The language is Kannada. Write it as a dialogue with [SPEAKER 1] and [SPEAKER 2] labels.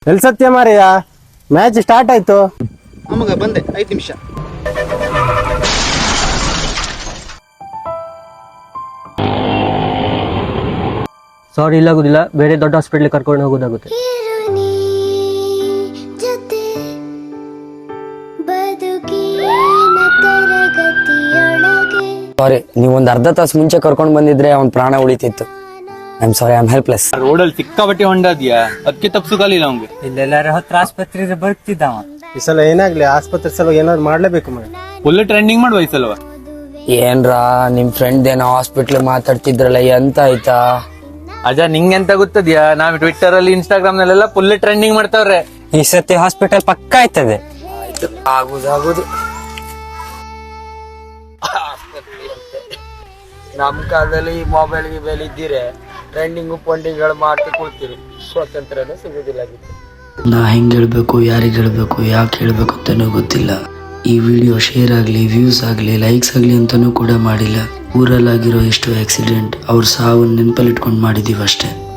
[SPEAKER 1] ಎಲ್ ಸತ್ಯ ಮಾರಯ್ಯ, ಮ್ಯಾಚ್ ಸ್ಟಾರ್ಟ್ ಆಯ್ತು.
[SPEAKER 2] ಅಮ್ಮಗ ಬಂದೆ 5 ನಿಮಿಷ.
[SPEAKER 3] ಸಾರಿ, ಇಲ್ಲಾಗುದಿಲ್ಲ, ಬೇರೆ ದೊಡ್ಡ ಹಾಸ್ಪಿಟಲ್ ಕರ್ಕೊಂಡು ಹೋಗೋದಾಗುತ್ತೆ.
[SPEAKER 4] ಸಾರಿ, ನೀವೊಂದು ಅರ್ಧ ತಾಸು ಮುಂಚೆ ಕರ್ಕೊಂಡು ಬಂದಿದ್ರೆ ಅವ್ನ ಪ್ರಾಣ ಉಳಿತಿತ್ತು. I am sorry, I am helpless.
[SPEAKER 5] ರೋಡಲ್ಲಿ ಸಿಕ್ಕಾಬಟ್ಟೆ ಹೊಂಡದ್ಯಾ, ಅದಕ್ಕೆ ತಪ್ಸುಕಾಲಿಲ್ಲ ಅವ್ಗೆ.
[SPEAKER 3] ಇಲ್ಲೆಲ್ಲಾರ ಹತ್ರ ಆಸ್ಪತ್ರೆ ಬರ್ತಿದ್ದಾವ.
[SPEAKER 1] ಈ ಸಲ ಏನಾಗ್ಲಿ, ಆಸ್ಪತ್ರೆ ಸಲ ಏನಾದ್ರು ಮಾಡ್ಲೇಬೇಕು ಮಗ.
[SPEAKER 5] ಫುಲ್ ಟ್ರೆಂಡಿಂಗ್ ಮಾಡುವ ಈ ಸಲವ.
[SPEAKER 4] ಏನ್ರಾ ನಿಮ್ ಫ್ರೆಂಡ್ ಏನೋ ಹಾಸ್ಪಿಟ್ಲ್ ಮಾತಾಡ್ತಿದ್ರಲ್ಲ, ಎಂತ ಆಯ್ತಾ?
[SPEAKER 5] ಅಜ, ನಿಂಗೆಂತ ಗೊತ್ತದ್ಯಾ, ನಾವ್ ಟ್ವಿಟ್ಟರ್ ಅಲ್ಲಿ ಇನ್ಸ್ಟಾಗ್ರಾಮ್ ನಲ್ಲೆಲ್ಲ ಫುಲ್ ಟ್ರೆಂಡಿಂಗ್ ಮಾಡ್ತಾವ್ರೆ.
[SPEAKER 3] ಈ ಸತಿ ಹಾಸ್ಪಿಟಲ್ ಪಕ್ಕ ಆಯ್ತದೆ.
[SPEAKER 4] ಆಗುದು ನಮ್ ಕಾಲದಲ್ಲಿ ಮೊಬೈಲ್ ಗಿಬೈಲ್ ಇದ್ದೀರೆ ಟ್ರೆಂಡಿಂಗು ಪಂಡಿಗಳು ಮಾಡ್ತಾ ಕೊಡ್ತೀರಿ, ಸ್ವಾತಂತ್ರ್ಯನೂ ಸಿಗುದಿಲ್ಲ.
[SPEAKER 6] ನಾ ಹೆಂಗ್ ಹೇಳ್ಬೇಕು, ಯಾರಿಗೆ ಹೇಳ್ಬೇಕು, ಯಾಕೆ ಹೇಳ್ಬೇಕು ಅಂತಾನೂ ಗೊತ್ತಿಲ್ಲ. ಈ ವಿಡಿಯೋ ಶೇರ್ ಆಗಲಿ, ವ್ಯೂಸ್ ಆಗಲಿ, ಲೈಕ್ಸ್ ಆಗಲಿ ಅಂತಾನೂ ಕೂಡ ಮಾಡಿಲ್ಲ. ಊರಲ್ಲಾಗಿರೋ ಎಷ್ಟು ಆಕ್ಸಿಡೆಂಟ್, ಅವ್ರ ಸಾವು ನೆನಪಲ್ಲಿಟ್ಕೊಂಡು ಮಾಡಿದೀವಿ ಅಷ್ಟೇ.